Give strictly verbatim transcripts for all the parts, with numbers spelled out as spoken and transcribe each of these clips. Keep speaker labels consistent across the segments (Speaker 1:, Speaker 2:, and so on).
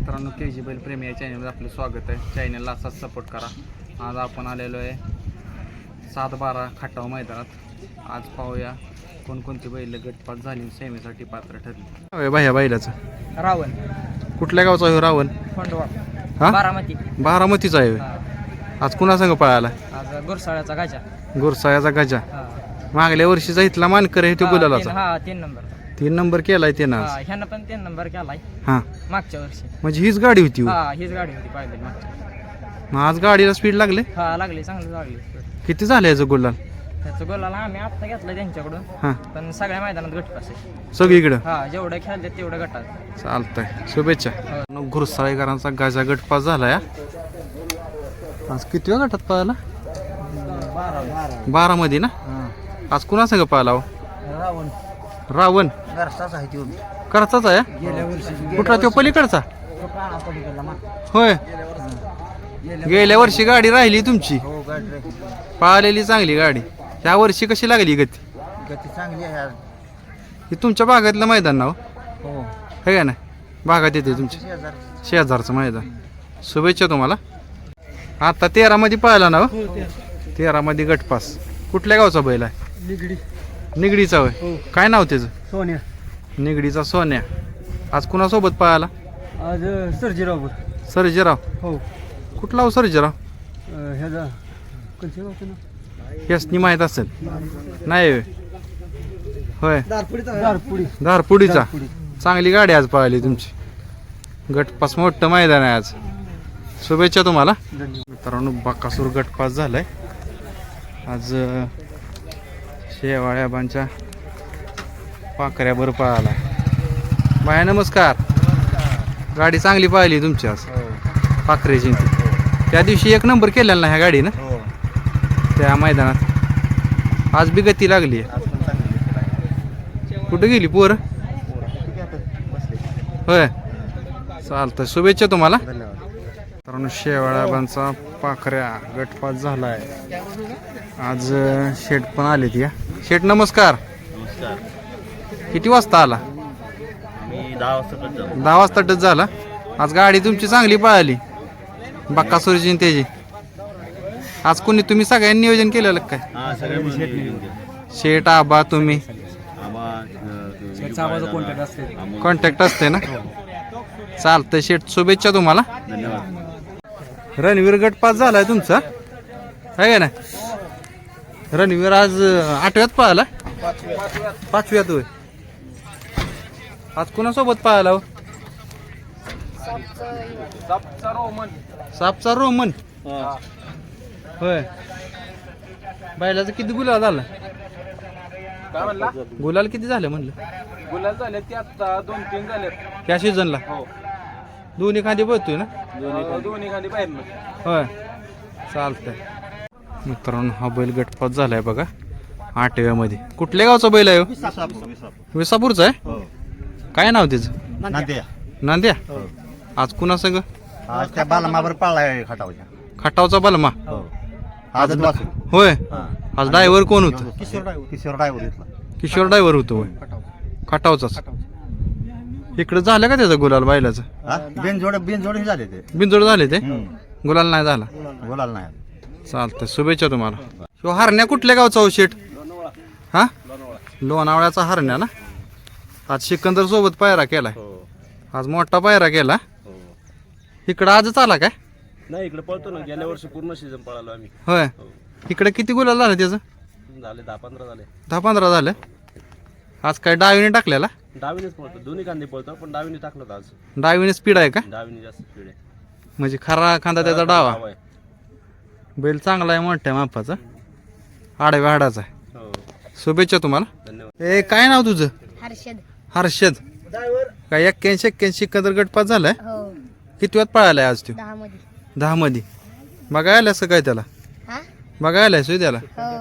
Speaker 1: मित्रांनो, के जी बैल प्रेमी या चॅनलवर आपलं स्वागत आहे. चॅनलला असाच सपोर्ट करा. आज आपण आलेलो आहे सात बारा खटाव मैदानात. आज पाहूया कोणकोणती बैल गटपात झाली, सेमीसाठी पात्र ठरली. बाह्या बैलाचं
Speaker 2: रावण
Speaker 1: कुठल्या गावचा आहे रावण?
Speaker 2: खंडवा
Speaker 1: हा
Speaker 2: बारामती.
Speaker 1: बारामतीचा आहे. आज कुणा संग पळाला?
Speaker 2: आज गुरसाळ्याचा गाजा.
Speaker 1: गुरसाळ्याचा गजा.
Speaker 2: हा.
Speaker 1: मागल्या वर्षीचा इथला मानकर आहे तो
Speaker 2: हा,
Speaker 1: गुलालाचा.
Speaker 2: तीन- हा तीन नंबर.
Speaker 1: तीन नंबर केलाय ते ना.
Speaker 2: हा, ह्यानं पण तीन नंबर केलाय
Speaker 1: हा
Speaker 2: मागच्या वर्षी.
Speaker 1: म्हणजे हीच गाडी होती हो.
Speaker 2: हा हीच गाडी होती पाहिजे मागच्या.
Speaker 1: मग आज गाडीला स्पीड लागले.
Speaker 2: हा लागली, चांगली लागली.
Speaker 1: किती झाले याचं गुलाल?
Speaker 2: त्याचं गोलाला आम्ही आत्ता घेतलं त्यांच्याकडून.
Speaker 1: हा
Speaker 2: पण सगळ्या मैदानात गटपास आहे
Speaker 1: सगळीकडं.
Speaker 2: हा, जेवढं खेळले तेवढं गटात.
Speaker 1: चालतंय, शुभेच्छा. गुरसाळेकरांचा गाजा गटपास झाला या. आज किती वेळ गटात पळाला? बारा मध्ये ना. आज कुणा संग पळाला हो?
Speaker 2: रावण
Speaker 1: रावण
Speaker 2: घरचाच आहे तो.
Speaker 1: करचाच आहे.
Speaker 2: गेल्या वर्षी
Speaker 1: कुठला तो पलीकडचा होय. गेल्या वर्षी गाडी राहिली तुमची,
Speaker 2: हो गाडी
Speaker 1: पळालेली चांगली गाडी. ह्या वर्षी कशी लागली गती?
Speaker 2: गती चांगली आहे.
Speaker 1: हे तुमच्या भागातलं मैदान ना हो,
Speaker 2: हो
Speaker 1: हे का नाही? भागात येते तुमच्या शेजारचं मैदान. शुभेच्छा तुम्हाला. आता तेरा मध्ये पळाला ना हो? तेरा मध्ये गटपास. कुठल्या गावचा बैल आहे?
Speaker 2: निगडी
Speaker 1: निगडीचा होय. काय नाव त्याचं?
Speaker 2: सोन्या.
Speaker 1: निगडीचा सोन्या. आज कुणासोबत पळाला?
Speaker 2: आज सर्जीराव.
Speaker 1: सर्जेराव.
Speaker 2: हो
Speaker 1: कुठला हो सर्जेराव?
Speaker 2: ह्याचा कोणत्या गावचं नाव?
Speaker 1: यासनी माहीत असेल नाही होय? होय
Speaker 2: दारपुडी.
Speaker 1: धारपुडीचा. चांगली गाडी आज पळाली तुमची. गटपास मोठं मैदान आहे आज. शुभेच्छा तुम्हाला. मित्रांनो, बकासूर गटपास झालाय आज. शेवाळ्याबांच्या पाकऱ्यावर पळाला. बाया नमस्कार. गाडी चांगली पळाली तुमची आज पाखरेची. त्या दिवशी एक नंबर केलेला ना ह्या गाडीनं त्या मैदानात. आज बी गती लागली. कुठं गेली पोर? होय, चालतं. शुभेच्छा तुम्हाला. कारण शेवाळ्याबांचा पाखऱ्या गटपास झालाय आज. शेठ पण आले ती. शेठ नमस्कार. किती वाजता आला? दहा वाजता टच झाला. आज गाडी तुमची चांगली पळाली बक्कासूरची त्याची. आज कोणी तुम्ही सगळ्यांनी नियोजन केलेलं काय? शेठ आबा तुम्ही कॉन्टॅक्ट असते ना. चालतंय शेठ, शुभेच्छा तुम्हाला. रणवीर गटपास झालाय तुमचा आहे का ना? रणवीर आज आठव्यात पळाला. पाचव्यात होय. आज कोणासोबत पळाला हो? सापचा रोमन होय. बैलाचं किती गुलाल झाला?
Speaker 3: काय म्हणला?
Speaker 1: गुलाल किती झाले म्हणलं?
Speaker 3: गुलाल झाले ते आता दोन तीन झाले.
Speaker 1: त्या सीझनला
Speaker 3: हो,
Speaker 1: दोन्ही खांदी बघतोय ना.
Speaker 3: दोन्ही खाली बाहेर.
Speaker 1: होय, चालतंय. मित्रांनो, हा बैल गटपास झालाय बघा आठव्यामध्ये. कुठल्या गावचा बैल आहे हो? विसापूरचा आहे. काय नाव त्याचं?
Speaker 4: नांद्या.
Speaker 1: नांद्या. आज कुणा संग?
Speaker 4: आज त्या बालमावर पाळलाय खटावच्या.
Speaker 1: खटावचा बलमा.
Speaker 4: आज
Speaker 1: होय. आज ड्रायव्हर कोण होतं?
Speaker 4: किशोर ड्रायव्हर. किशोर ड्रायव्हर इथला.
Speaker 1: किशोर ड्रायव्हर होतो होय. खटावचाच. इकडं झालं का त्याचं गुलाल बैलाचं?
Speaker 4: हा? बिनजोड बिनजोड झाले ते.
Speaker 1: बिनजोड झाले ते.
Speaker 4: हम्म.
Speaker 1: गुलाल नाही झाला.
Speaker 4: बोलायला नाही.
Speaker 1: चालतंय, शुभेच्छा तुम्हाला. ह्यो हरण्या कुठल्या गावचा हो शेठ? हा, लोणावळ्याचा हरण्या ना. आज सिकंदर सोबत पायरा केलाय. आज मोठा पायरा केला. इकडं आजच आला काय?
Speaker 3: नाही, इकडे पळतो ना. गेल्या वर्षी पूर्ण सीझन पळालो आम्ही.
Speaker 1: होय. इकडे किती गुलाल झालं त्याचं?
Speaker 3: झाले दहा पंधरा झाले.
Speaker 1: दहा पंधरा झालं. आज काय डावीने टाकलेला?
Speaker 3: डावीनेच पळतो, दोन्ही कांदे पळतो, पण डावीने टाकलं होतं आज.
Speaker 1: डावीने स्पीड आहे का?
Speaker 3: डावीने जास्त स्पीड आहे.
Speaker 1: म्हणजे खरा खांदा त्याचा डावा.
Speaker 3: डावा आहे.
Speaker 1: बैल चांगला आहे, मोठ्या मापाचा, आडव्या हाडाचा आहे.
Speaker 3: हो,
Speaker 1: शुभेच्छा तुम्हाला.
Speaker 3: धन्यवाद.
Speaker 1: ए, काय नाव तुझं?
Speaker 5: हर्षद.
Speaker 1: हर्षद. काय एक्क्याऐंशी एक्क्याऐंशी सिकंदर गटपास झालाय.
Speaker 5: हो,
Speaker 1: किती वेळात पळालाय आज तू?
Speaker 5: दहा मध्ये.
Speaker 1: दहा मध्ये. बघायला असं काय त्याला?
Speaker 5: हा?
Speaker 1: बघायला सोय त्याला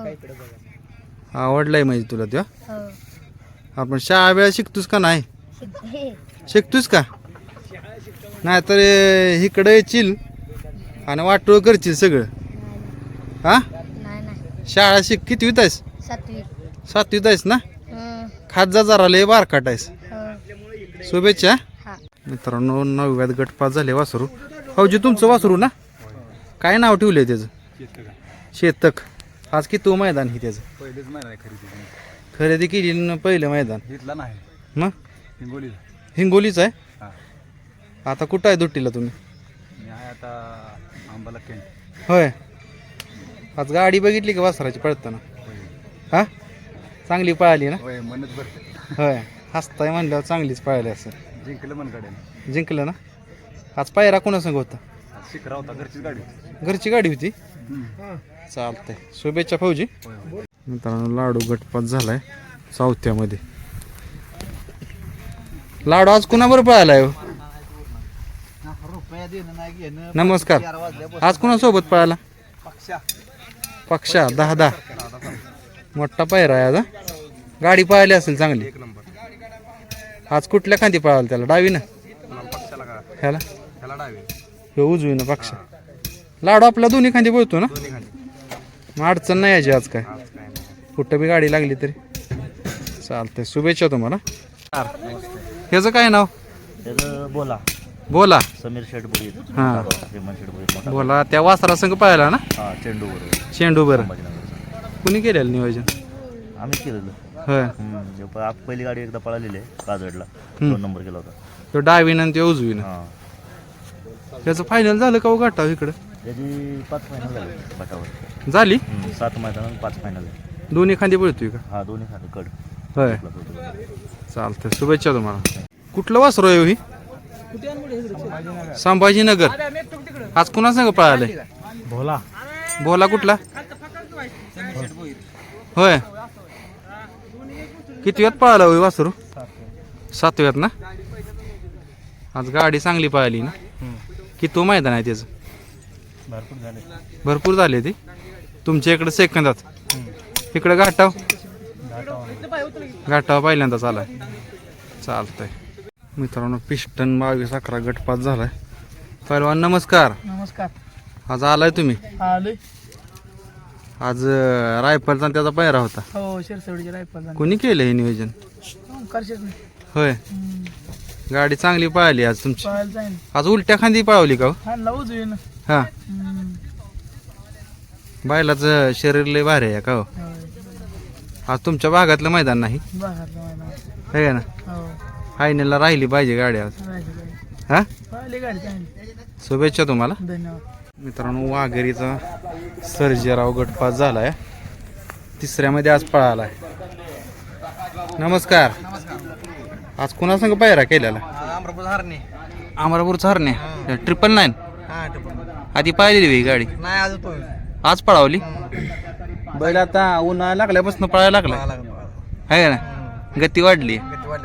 Speaker 5: हो
Speaker 1: आवडलाय म्हणजे तुला त्यो.
Speaker 5: हो.
Speaker 1: आपण शाळा वेळा शिकतोस का नाही?
Speaker 5: शिकते.
Speaker 1: शिकतोस का? नाही तर इकडे येशील आणि वाटोळ करशील सगळं. हा,
Speaker 5: नाही नाही.
Speaker 1: शाळा शिक. कितवीत आहेस?
Speaker 5: सातवी.
Speaker 1: सातवीत आहेस ना.
Speaker 5: हम्म.
Speaker 1: खात जा जरा, लय बारकाट आहेस.
Speaker 5: हो.
Speaker 1: शुभेच्छा.
Speaker 5: हा.
Speaker 1: मित्रांनो नवव्यात गटपास झाले वासरू. भाऊजी तुमचं वासरू ना, काय नाव ठेवलंय त्याचं? शेतक. आज किती मैदान ही त्याचं?
Speaker 2: पहिलेच महिना आहे खरेदी
Speaker 1: खरेदी केली न पहिलं मैदान.
Speaker 2: घेतला नाही
Speaker 1: मग
Speaker 2: हिंगोली
Speaker 1: हिंगोलीच आहे.
Speaker 2: हां
Speaker 1: आता कुठं आहे दुट्टीला तुम्ही?
Speaker 2: मी आहे आता आंबाला केंट.
Speaker 1: होय. आज गाडी बघितली का वासराची पळताना? हा चांगली पळाली ना?
Speaker 2: होय मनच भरते.
Speaker 1: होय. हसताय म्हणल्यावर चांगलीच पळाली असं.
Speaker 2: जिंकलं मन गाड्याने.
Speaker 1: जिंकलं ना. आज पायरा कोणासंग होता?
Speaker 2: शिखरा होता घरचीच गाडी.
Speaker 1: घरची गाडी होती. चालतंय. शुभेच्छा फौजी. मित्रांनो लाडू गटपात झालाय चौथ्यामध्ये. लाडू आज कुणाबरोबर पळालाय हो?
Speaker 2: रुपया देणं नाही घेणं.
Speaker 1: नमस्कार. आज कुणासोबत पळाला?
Speaker 2: पक्षा
Speaker 1: पक्षा. दहा दहा मोठा पायरा आहे आज हा? गाडी पळाली असेल चांगली.
Speaker 3: एक नंबर.
Speaker 1: आज कुठल्या खांदी पळाला त्याला? डावी ना
Speaker 3: पक्षाला का
Speaker 1: ह्याला?
Speaker 3: त्याला डावी
Speaker 1: ह्यो उजवी ना पक्षा. लाडू आपला दोन्ही खांदी पळतो ना.
Speaker 3: दोन्ही खाली.
Speaker 1: मग अडचण नाही याची आज काय.
Speaker 3: आज काय नाही.
Speaker 1: कुठं बी गाडी लागली तरी चालतंय. शुभेच्छा तुम्हाला. ह्याचं काय नाव?
Speaker 3: त्याचं बोला
Speaker 1: बोला.
Speaker 3: समीर शेठ बुडी
Speaker 1: हा
Speaker 3: श्रीमन शेठ बुडी मोठा.
Speaker 1: बोला. त्या वासरा संघ पाहिला ना
Speaker 3: हा चेंडू बरोबर
Speaker 1: चेंडू बरं.
Speaker 3: संभाजीनगरचा.
Speaker 1: कुणी केलेलं नियोजन?
Speaker 3: आम्ही केलेलं.
Speaker 1: होय.
Speaker 3: हम्म. प- आप- पहिली गाडी एकदा पळालेली आहे काजडला. दोन नंबर केला होता.
Speaker 1: तो डावीनं ते उजवीनं.
Speaker 3: हा
Speaker 1: त्याचं फायनल झालं का हो गाठाव इकडं?
Speaker 3: त्याची पाच फायनल झाले गटावर.
Speaker 1: झाली.
Speaker 3: हम्म. सात मैदान पाच फायनल झाले.
Speaker 1: दोन्ही खांदी पळतोय का?
Speaker 3: हा दोन्ही खाली कड.
Speaker 1: होय. चालतंय. शुभेच्छा तुम्हाला. कुठलं वासरू आहे हो ही? संभाजीनगर. आज कुणा संग पळाले?
Speaker 2: भोला
Speaker 1: बोला. कुठला? होय. किती वेळात पळाला होय वासरू? सातव्यात ना. आज गाडी चांगली पळाली ना. किती मैदान आहे त्याचं?
Speaker 2: भरपूर झाले.
Speaker 1: भरपूर झाले ते. तुमच्या इकडे सेकंदात, इकडे घाटाव घाटाव पहिल्यांदाच आलाय. चालतंय. मित्रांनो पिस्टन बावीस अकरा गटपात झालाय. पहिलवान नमस्कार.
Speaker 2: नमस्कार.
Speaker 1: आज आलाय तुम्ही?
Speaker 2: आलोय.
Speaker 1: आज अं, रायफलचा त्याचा पायरा होता.
Speaker 2: हो शिरसवडीची रायफल.
Speaker 1: कोणी केलं हे नियोजन?
Speaker 2: करशेच नाही.
Speaker 1: होय. गाडी चांगली पळाली आज तुमची.
Speaker 2: पळायला जाईल.
Speaker 1: आज उलट्या खांदी पळवली का हो?
Speaker 2: हा लावूच येईन.
Speaker 1: हा. बैलाचं शरीर लय भारी आहे का हो? आज तुमच्या भागातलं मैदान नाही आहे ना. फायनलला राहिली पाहिजे गाडी आज. हा शुभेच्छा तुम्हाला.
Speaker 2: धन्यवाद.
Speaker 1: मित्रांनो वाघेरीचा सर्जेराव गटपास झालाय. तिसऱ्यामध्ये आज पळालाय. नमस्कार. आज कुणा संग पायरा केलेला? अमरापूरचा हरणे. ट्रिपल नाईन आधी पाहिलेली ही गाडी आज पळावली. बैल आता उन्हाळा लागल्यापासून पळायला लागला आहे ना. गती वाढली.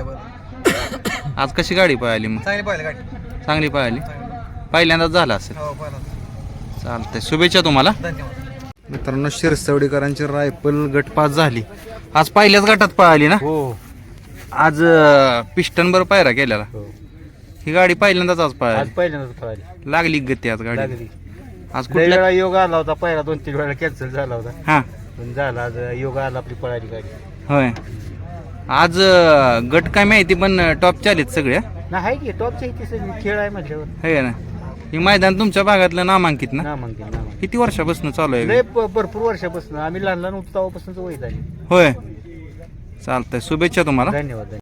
Speaker 1: आज कशी गाडी पळाली मग? चांगली पळाली. पहिल्यांदाच झाला असेल. चालतंय. शुभेच्छा तुम्हाला. मित्रांनो शिरसवडीकरांची रायफल गटपास झाली. आज पहिल्याच गटात पळाली ना.
Speaker 2: हो
Speaker 1: आज पिस्टन बर पायरा केलेला. ही गाडी पहिल्यांदाच आज पळाली.
Speaker 2: पहिल्यांदाच पळाली.
Speaker 1: लागली गती आज गाडी.
Speaker 2: लागली.
Speaker 1: आज
Speaker 2: लय
Speaker 1: कुठल्या?
Speaker 2: वेळा योग आला होता. पहिला दोन तीन वेळा कॅन्सल झाला होता.
Speaker 1: हा
Speaker 2: पण झाला आज योग आला आपली पळाली गाडी.
Speaker 1: होय. आज अं, गट काय माहिती पण टॉप चालीत सगळ्या
Speaker 2: नाही आहे की टॉपच्या इथे सगळी खेळ आहे म्हटल्यावर.
Speaker 1: आहे ना. ही मैदान तुमच्या भागातलं नामांकित ना.
Speaker 2: ना म्हणते ना म्हणते.
Speaker 1: किती वर्षापासून चालू आहे?
Speaker 2: लय प- भरपूर वर्षापासून आम्ही लहान लहान होतो तेव्हापासूनच वय झाली.
Speaker 1: होय. चालतंय. शुभेच्छा तुम्हाला.
Speaker 2: धन्यवाद.